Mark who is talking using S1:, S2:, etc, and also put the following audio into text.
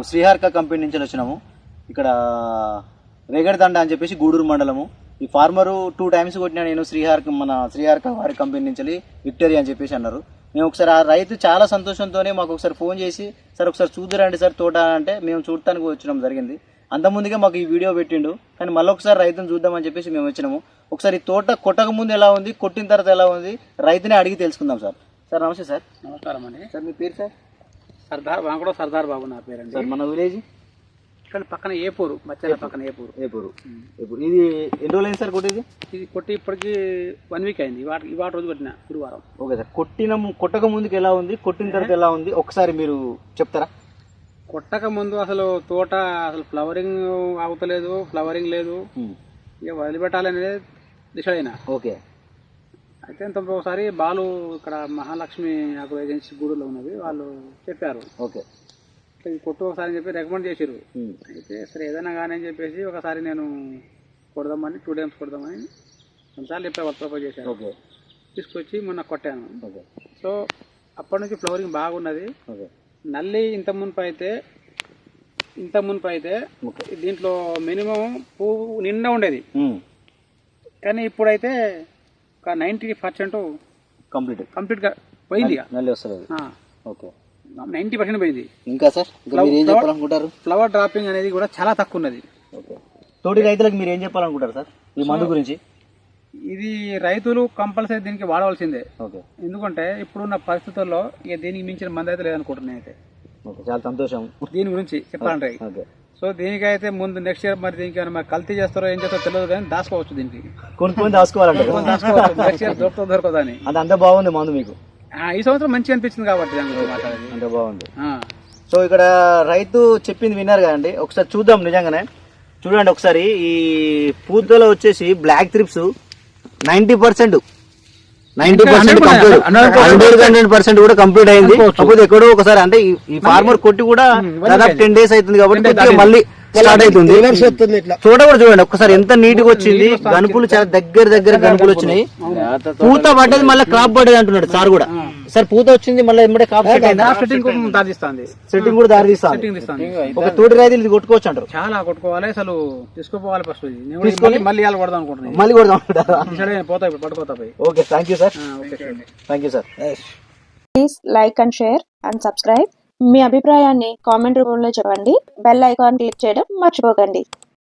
S1: Sriharika company నుంచి వచ్చినాము. ఇక్కడ రేగడిదండ అని చెప్పేసి గూడూరు మండలము. ఈ ఫార్మరు 2 times కొట్టినా నేను శ్రీహారిక వారి కంపెనీ నుంచి విక్టరీ అని చెప్పేసి అన్నారు. మేము ఒకసారి ఆ రైతు చాలా సంతోషంతోనే మాకు ఒకసారి ఫోన్ చేసి సార్ ఒకసారి చూద్దురండి సార్ తోట అంటే మేము చూడటానికి వచ్చినాం జరిగింది. అంతకుముందుగా మాకు ఈ వీడియో పెట్టిండు, కానీ మళ్ళీ ఒకసారి రైతుని చూద్దామని చెప్పేసి మేము వచ్చినాము. ఒకసారి ఈ తోట కొట్టక ముందు ఎలా ఉంది, కొట్టిన తర్వాత ఎలా ఉంది రైతునే అడిగి తెలుసుకుందాం సార్. సార్ నమస్తే సార్.
S2: నమస్కారం అండి.
S1: సార్ మీ పేరు సార్?
S2: సర్దార్ బాబు నా పేరండి.
S1: సార్ మన విలేజ్
S2: ఇక్కడ పక్కన ఏపూరు, మధ్యాహ్నం పక్కన ఏపూరు.
S1: ఇది ఎన్ని రోజులు అయింది సార్ కొట్టేది?
S2: ఇది కొట్టి ఇప్పటికి 1 week అయింది. ఇవాళ రోజు కొట్టిన గురువారం.
S1: Okay sir. కొట్టక ముందుకు ఎలా ఉంది, కొట్టిన తర్వాత ఎలా ఉంది ఒకసారి మీరు చెప్తారా?
S2: కొట్టక ముందు అసలు తోట అసలు ఫ్లవరింగ్ అవుతలేదు, ఫ్లవరింగ్ లేదు, ఇక వదిలిపెట్టాలనేది డిసైడ్ అయినా.
S1: ఓకే.
S2: అయితే ఒకసారి బాలు ఇక్కడ మహాలక్ష్మి అగ్రో ఏజెన్సీ గూడూరులో ఉన్నది, వాళ్ళు చెప్పారు.
S1: ఓకే.
S2: కొట్టు ఒకసారి అని చెప్పి రికమెండ్ చేసారు. అయితే సరే ఏదైనా కానీ అని చెప్పేసి ఒకసారి నేను కొడదామని 2 times కొడదామని 2 సార్లు చెప్పి వాళ్ళు ప్రపోజ్ చేశారు.
S1: ఓకే.
S2: తీసుకొచ్చి మొన్న కొట్టాను.
S1: ఓకే.
S2: సో అప్పటి నుంచి ఫ్లవరింగ్ బాగున్నది.
S1: ఓకే.
S2: నల్లి ఇంత మునుపు అయితే దీంట్లో మినిమం పువ్వు నిండా ఉండేది, కానీ ఇప్పుడైతే ఒక 90% కంప్లీట్గా పోయింది.
S1: నల్లి వస్తుంది. ఓకే.
S2: 90% పోయింది.
S1: ఇంకా సార్ మీరు ఏం చెప్పాలనుకుంటారు?
S2: ఫ్లవర్ డ్రాపింగ్ అనేది కూడా చాలా తక్కువ ఉన్నది.
S1: ఓకే. తోటి రైతులకు మీరు ఏం చెప్పాలనుకుంటారు సార్ ఈ మందు గురించి?
S2: ఇది రైతులు కంపల్సరీ దీనికి వాడవలసిందే.
S1: ఓకే.
S2: ఎందుకంటే ఇప్పుడున్న పరిస్థితుల్లో ఇక దీనికి మించిన మంది అయితే లేదనుకుంటున్నాను అయితే.
S1: ఓకే. చాలా సంతోషం
S2: దీని గురించి చెప్పాలంటే.
S1: ఓకే.
S2: సో దీనికైతే ముందు నెక్స్ట్ ఇయర్ మరి దీనికి మరి కల్తీ చేస్తారో ఏం చేస్తారో తెలియదు, కానీ దాచుకోవచ్చు. దీనికి
S1: కొనుక్కొని దాచుకోవాలంటే
S2: నెక్స్ట్ ఇయర్ దొరకదని.
S1: అది అంత బాగుంది మందు మీకు
S2: ఈ సంవత్సరం మంచిగా అనిపించింది కాబట్టి
S1: అంత బాగుంది. సో ఇక్కడ రైతు చెప్పింది విన్నారు కదండి, ఒకసారి చూద్దాం. నిజంగానే చూడండి ఒకసారి. ఈ పూతలో వచ్చేసి బ్లాక్ త్రిప్స్ 90% 100% కూడా కంప్లీట్ అయింది. కాకపోతే ఎక్కడో ఒకసారి అంటే ఈ ఫార్మర్ కొట్టి కూడా దాదాపు 10 days అవుతుంది కాబట్టి మళ్ళీ స్టార్ట్ అవుతుంది. చూడ కూడా చూడండి ఒకసారి ఎంత నీట్ గా వచ్చింది. గనుపులు చాలా దగ్గర గనుపులు వచ్చినాయి. పూత పడ్డది మళ్ళీ క్రాప్ పడ్డది అంటున్నాడు సార్ కూడా. సార్ పూత వచ్చింది మళ్ళీ ఎమ్మడే క్రాప్
S2: సెట్టింగ్ కూడా దారితీస్తుంది.
S1: ఒక తోటి రైతులు ఇది కొట్టుకోవచ్చు అంటారు.
S2: చాలా కొట్టుకోవాలి, అసలు తీసుకోపోవాలి. ఫస్ట్ తీసుకొని మళ్ళీ కొడదాం అనుకుంటున్నాను.
S1: మళ్ళీ కొడదాం
S2: పోతాయి పట్టుకోతాయి.
S1: Okay. Thank you sir. Thank you sir.
S3: Please like and share and subscribe. మీ అభిప్రాయాన్ని కామెంట్ రూపంలో చెప్పండి. బెల్ ఐకాన్ క్లిక్ చేయడం మర్చిపోకండి.